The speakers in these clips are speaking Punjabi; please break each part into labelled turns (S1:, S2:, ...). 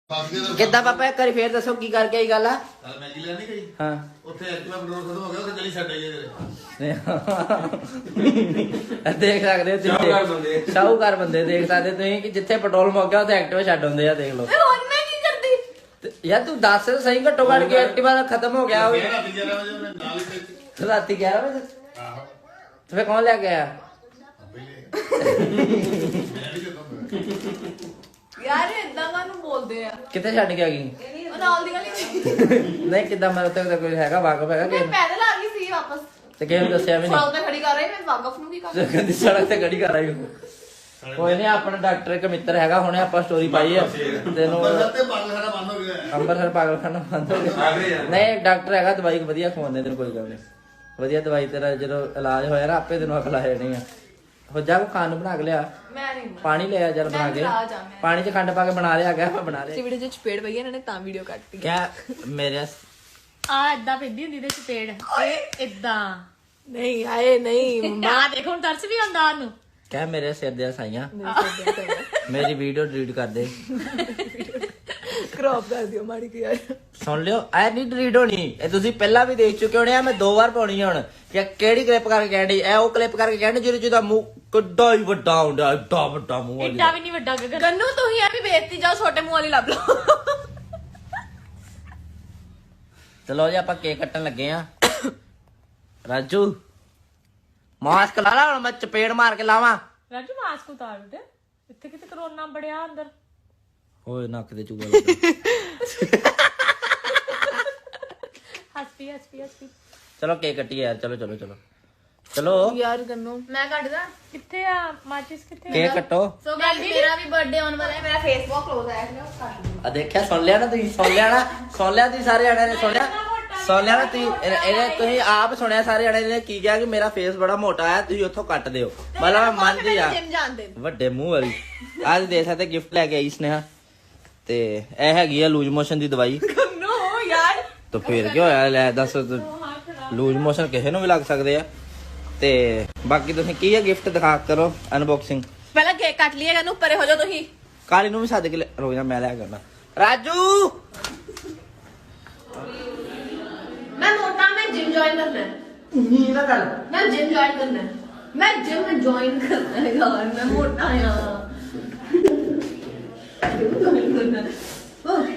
S1: ਕਿੱਦਾਂ ਪਾਪਾ ਇੱਕ ਵਾਰੀ ਫੇਰ ਦੱਸੋ ਕੀ ਕਰਕੇ ਆਈ ਗੱਲ ਆ
S2: ਮੈਂ ਕੀ ਲੈਣੀ ਗਈ
S1: ਹਾਂ
S2: ਉੱਥੇ ਐਕਟਿਵਾ ਪੈਟਰੋਲ ਖਤਮ ਹੋ ਗਿਆ ਉੱਥੇ ਗਲੀ ਛੱਡ ਆਈ ਤੇਰੇ
S1: ਦੇਖ ਸਕਦੇ ਹੋ ਤੁਸੀਂ ਸ਼ਾਹੂਕਾਰ ਬੰਦੇ ਦੇਖ ਸਕਦੇ ਤੁਸੀਂ ਕਿ ਜਿੱਥੇ ਪੈਟਰੋਲ ਮੁੱਕ ਗਿਆ ਉੱਥੇ ਐਕਟਿਵਾ ਛੱਡ ਹੁੰਦੇ ਆ ਦੇਖ ਲਓ
S3: ਹੁਣ ਮੈਂ ਕੀ ਕਰਦੀ
S1: ਯਾਰ ਤੂੰ ਦੱਸ ਸਹੀ ਘੱਟੋ ਘੱਟ ਕੇ ਐਕਟਿਵਾ ਦਾ ਖਤਮ ਹੋ ਗਿਆ ਹੋਵੇ
S2: ਰਾਤੀ 11 ਵਜੇ ਉਹਨੇ ਨਾਲ ਹੀ
S1: ਰਾਤੀ 11 ਵਜੇ
S2: ਆਹੋ
S1: ਤੇ ਫੇਰ ਕੌਣ ਲੈ ਕੇ ਆਇਆ
S3: ਯਾਰ ਇਦਾਂ ਕਾਹਨੂੰ ਬੋਲਦੇ ਆ
S1: ਕਿੱਥੇ ਛੱਡ ਕੇ ਆ ਗਈ
S3: ਉਹ ਨਾਲ ਦੀ ਗਲੀ ਵਿੱਚ
S1: ਨਹੀਂ ਕਿੱਦਾਂ ਮੈਂ ਉੱਤੇ ਕੋਈ ਹੈਗਾ ਵਾਕਫ ਹੈਗਾ
S3: ਮੈਂ
S1: ਕਿ
S3: ਪੈਦਲ ਆ ਗਈ ਸੀ ਵਾਪਸ
S1: ਤੇ ਕਿਸੇ ਨੂੰ ਦੱਸਿਆ ਵੀ
S3: ਸੜਕ ਤੇ ਖੜੀ ਕਰ ਰਹੀ ਮੈਂ ਵਾਕਫ ਨੂੰ ਕੀ ਕਰ
S1: ਨਹੀਂ ਕਹਿੰਦੀ ਸੜਕ ਤੇ ਗੱਡੀ ਕਰ ਆਈ ਕੋਈ ਨਹੀਂ ਆਪਣਾ ਡਾਕਟਰ ਇੱਕ ਮਿੱਤਰ ਹੈਗਾ ਹੁਣੇ ਆਪਾਂ ਸਟੋਰੀ ਪਾਈ ਆ ਤੈਨੂੰ
S2: ਅੰਬਰਸਰ ਤੇ ਪਾਗਲਖਾਨਾ ਬੰਦ ਹੋ ਗਿਆ
S1: ਅੰਮ੍ਰਿਤਸਰ ਪਾਗਲਖਾਨਾ ਬੰਦ ਹੋ ਗਿਆ ਨਹੀਂ ਡਾਕਟਰ ਹੈਗਾ ਦਵਾਈ ਵਧੀਆ ਖਵਾਉਂਦੇ ਤੈਨੂੰ ਕੋਈ ਗੱਲ ਨਹੀਂ ਵਧੀਆ ਦਵਾਈ ਤੇਰਾ ਜਦੋਂ ਇਲਾਜ ਹੋਇਆ ਨਾ ਆਪੇ ਤੈਨੂੰ ਅਕਲ ਆ ਜਾਣੀ ਆ ਹੋ ਜਾ ਕੋ ਖਾਣ ਨੂੰ ਬਣਾ ਕੇ ਲਿਆ
S3: ਮੈਂ ਨਹੀਂ
S1: ਪਾਣੀ ਲਿਆ ਜਰ ਬਣਾ ਕੇ ਪਾਣੀ 'ਚ ਖੰਡ ਪਾ ਕੇ ਬਣਾ ਲਿਆ ਗਿਆ ਮੈਂ ਬਣਾ ਲਿਆ
S3: ਵੀਡੀਓ ਚ ਚਪੇੜ ਪਈ ਇਹਨਾਂ ਨੇ ਤਾਂ ਵੀਡੀਓ ਕੱਟਤੀ
S1: ਕਿਆ ਮੇਰੇ
S4: ਆ ਏਦਾਂ ਪੈਂਦੀ ਹੁੰਦੀ ਦੇ ਚਪੇੜ ਇਹ ਏਦਾਂ
S3: ਨਹੀਂ ਆਏ ਨਹੀਂ
S4: ਆ ਦੇਖੋ ਹੁਣ ਤਰਸ ਵੀ ਆਉਂਦਾ ਉਹਨੂੰ
S1: ਕਹਿ ਮੇਰੇ ਸਿਰ ਦੇ ਸਾਈਆਂ ਮੇਰੀ ਵੀਡੀਓ ਡਿਲੀਟ ਕਰ ਦੇ
S3: ਕ੍ਰੌਪ ਕਰ ਦਿਓ ਮਾੜੀ ਕੀ ਯਾਰ
S1: ਸੁਣ ਲਿਓ ਐ ਨਹੀਂ ਡਿਲੀਟ ਹੋਣੀ ਇਹ ਤੁਸੀਂ ਪਹਿਲਾਂ ਵੀ ਦੇਖ ਚੁੱਕੇ ਹੋਣੇ ਆ ਮੈਂ 2 ਵਾਰ ਪਾਉਣੀ ਆ ਹੁਣ ਕਿ ਕਿਹੜੀ ਕਲਿੱਪ ਕਰਕੇ ਕਹਿਣੀ ਐ ਉਹ ਕਲਿੱਪ ਕਰਕੇ ਕਹਿਣੀ ਜਿਹਦਾ ਮੂੰਹ ਕਿੱਡਾ ਹੀ ਵੱਡਾ ਹੁੰਦਾ ਏਡਾ ਵੱਡਾ ਮੂੰਹ ਆ
S4: ਏਡਾ ਵੀ ਨਹੀਂ ਵੱਡਾ ਗਗਨ
S3: ਗੰਨੂ ਤੁਸੀਂ ਆ ਵੀ ਬੇਇੱਜ਼ਤੀ ਜਾਓ ਛੋਟੇ ਮੂੰਹ ਵਾਲੀ ਲੱਭ ਲਓ
S1: ਚਲੋ ਜੀ ਆਪਾਂ ਕੇਕ ਕੱਟਣ ਲੱਗੇ ਆ ਰਾਜੂ ਮਾਸਕ ਲਾ ਲਾ ਹੁਣ ਮੈਂ ਚਪੇੜ ਮਾਰ ਕੇ ਲਾਵਾਂ
S4: ਰਾਜੂ ਮਾਸਕ ਉਤਾਰ ਦੇ ਇੱਥੇ ਕਿਤੇ ਕਰੋਨਾ ਬੜਿਆ ਅੰਦਰ
S1: ਓਏ ਨੱਕ ਦੇ ਚੂਗਾ ਲੱਗਾ
S4: ਹੱਸਪੀ
S1: ਚਲੋ ਕੇਕ ਕੱਟੀਏ ਯਾਰ ਚਲੋ ਚਲੋ ਚਲੋ ਚਲੋ
S3: ਯਾਰ ਗੰਨੂ ਮੈਂ ਕੱਢਦਾ
S4: ਕਿੱਥੇ ਆ ਮਾਚਿਸ ਕਿੱਥੇ
S1: ਕੇਕ ਕੱਟੋ
S3: ਸੋ ਗਾਇਸ ਮੇਰਾ ਵੀ ਬਰਥਡੇ ਆਉਣ ਵਾਲਾ ਹੈ ਮੇਰਾ ਫੇਸਬੁੱਕ ਕਲੋਜ਼ ਆਇਆ ਹੈ ਉਸ ਕਰ
S1: ਆ ਦੇਖਿਆ ਸੁਣ ਲਿਆ ਨਾ ਤੁਸੀਂ ਸੁਣ ਲਿਆ ਤੁਸੀਂ ਸਾਰੇ ਜਣਿਆਂ ਨੇ ਸੁਣ ਲਿਆ ਨਾ ਤੁਸੀਂ ਇਹਨੇ ਤੁਸੀਂ ਆਪ ਸੁਣਿਆ ਸਾਰੇ ਜਣਿਆਂ ਨੇ ਕੀ ਕਿਹਾ ਕਿ ਮੇਰਾ ਫੇਸ ਬੜਾ ਮੋਟਾ ਹੈ ਤੁਸੀਂ ਉੱਥੋਂ ਕੱਟ ਦਿਓ ਮਤਲਬ ਮੈਂ ਮੰਨਦੀ ਆ
S3: ਜਿਮ ਜਾਂਦੇ
S1: ਵੱਡੇ ਮੂੰਹ ਵਾਲੀ ਅੱਜ ਦੇ ਸਕਦੇ ਗਿਫਟ ਲੈ ਕੇ ਆਈ ਸਨੇਹਾ ਤੇ ਇਹ ਹੈਗੀ ਆ ਲੂਜ਼ ਮੋਸ਼ਨ ਦੀ ਦਵਾਈ
S3: ਗੰਨੂ ਯਾਰ
S1: ਤਾਂ ਫੇਰ ਕੀ ਹੋਇਆ ਲੈ ਦੱਸ ਲੂਜ਼ ਮੋਸ਼ਨ ਕਿਸੇ ਨੂੰ ਵੀ ਲੱਗ ਸਕਦੇ ਆ ਤੇ ਬਾਕੀ ਤੁਸੀਂ ਕੀ ਹੈ ਗਿਫਟ ਦਿਖਾ ਕਰੋ ਅਨਬਾਕਸਿੰਗ
S3: ਪਹਿਲਾਂ ਕੇਕ ਕੱਟ ਲਿਆ ਗੰਨੂ ਪਰੇ ਹੋ ਜਾਓ ਤੁਸੀਂ
S1: ਕਾਲੀ ਨੂੰ ਵੀ ਸੱਦ ਕੇ ਰੋ ਜਾ ਮੈਂ ਲਿਆ ਕਰਨਾ ਰਾਜੂ
S3: मैं मोटा मैं जिम ज्वाइन करना है
S1: ਨੀ ਨਾ ਗੱਲ
S3: मैं जिम ज्वाइन करना है मैं जिम में ज्वाइन करना है यार मैं मोटा यार जिम ज्वाइन करना है ओह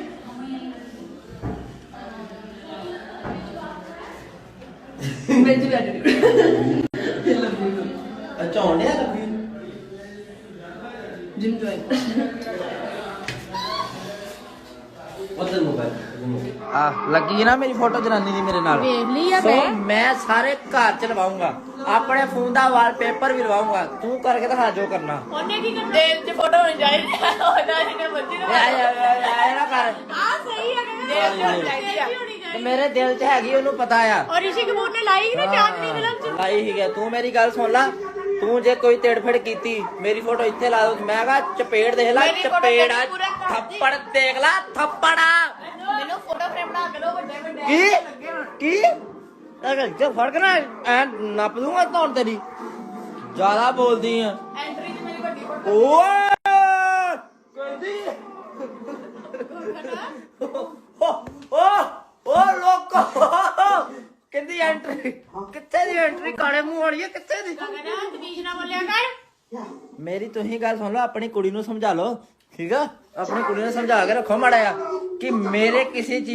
S3: मैं जिम
S1: ਅੱਛਾ ਹੋਣਿਆ ਲੱਗੀ
S3: जिम ज्वाइन
S1: ਉਧਰ ਮੋਬਾਈਲ ਆ ਲੱਗੀ ਨਾ ਮੇਰੀ ਫੋਟੋ ਜਨਾਨੀ ਦੀ ਮੇਰੇ ਨਾਲ
S4: ਵੇਖ ਲਈ ਆ
S1: ਸੋ
S4: ਮੈਂ
S1: ਮੈਂ ਸਾਰੇ ਘਰ ਚ ਲਵਾਉਂਗਾ ਆਪਣੇ ਫੋਨ ਦਾ ਵਾਲਪੇਪਰ ਵੀ ਲਵਾਉਂਗਾ ਤੂੰ ਕਰਕੇ ਦਿਖਾ ਜੋ ਕਰਨਾ
S4: ਉਹਨੇ ਕੀ ਕਰਨਾ
S3: दिल च फोटो होनी चाहिए होना जिन्हें मर्जी ना
S1: ਐ ਨਾ ਕਰ
S4: ਆ ਸਹੀ ਹੈ ਗਗਨ
S3: दिल च होनी चाहिए
S1: ਤੇ ਮੇਰੇ ਦਿਲ ਚ ਹੈਗੀ ਉਹਨੂੰ ਪਤਾ ਆ
S4: ਔਰ ਰਿਸ਼ੀ ਕਪੂਰ ਨੇ ਲਾਈ ਨਾ ਚਾਂਦਨੀ ਫਿਲਮ ਚ
S1: ਲਾਈ ਹੀ ਗਿਆ ਤੂੰ ਮੇਰੀ ਗੱਲ ਸੁਣ ਲੈ ਤੂੰ ਜੇ ਕੋਈ ਤੇੜਫੜ ਕੀਤੀ ਮੇਰੀ ਫੋਟੋ ਇੱਥੇ ਲਾ ਦੋ ਮੈਂ ਕਹਾ ਚਪੇੜ ਦੇਖ ਲੈ
S3: ਮੇਰੀ photo
S1: ਚਪੇੜ
S3: ਤੇਰੀ ਪੂਰਾ ਕਰ
S1: ਥੱਪੜ ਦੇਖ ਲੈ ਥੱਪੜ
S3: मैंने फोटो फ्रेम बना के दो बड़े बड़े
S1: ਕੀ ਅਗਰ ਜੇ ਫੜ ਕੇ ਨਾ ਐ ਨੱਪ ਦੂੰਗਾ ਧੌਣ ਤੇਰੀ ਜ਼ਿਆਦਾ ਬੋਲਦੀ ਆ
S3: एंट्री च मेरी बड़ी फोटो
S1: ਓਏ ਕਹਿੰਦੀ ਓ ਲੋਕੋ ਕਹਿੰਦੀ ਐਂਟਰੀ ਕਿੱਥੇ ਦੀ ਐਂਟਰੀ ਕਾਲੇ ਮੂੰਹ ਵਾਲੀ ਆ ਕਿੱਥੇ ਦੀ
S4: ਗਗਨ ਤਮੀਜ਼ ਨਾਲ ਬੋਲਿਆ ਕਰ
S1: ਮੇਰੀ ਤੁਸੀਂ ਗੱਲ ਸੁਣ ਲਓ ਆਪਣੀ ਕੁੜੀ ਨੂੰ ਸਮਝਾ ਲਓ ਠੀਕ ਆ ਆਪਣੀ ਕੁੜੀ ਨੂੰ ਸਮਝਾ ਕੇ ਰੱਖੋ ਮਾੜਾ ਆ ਕਿ ਮੇਰੇ ਕਿਸੇ ਚੀਜ਼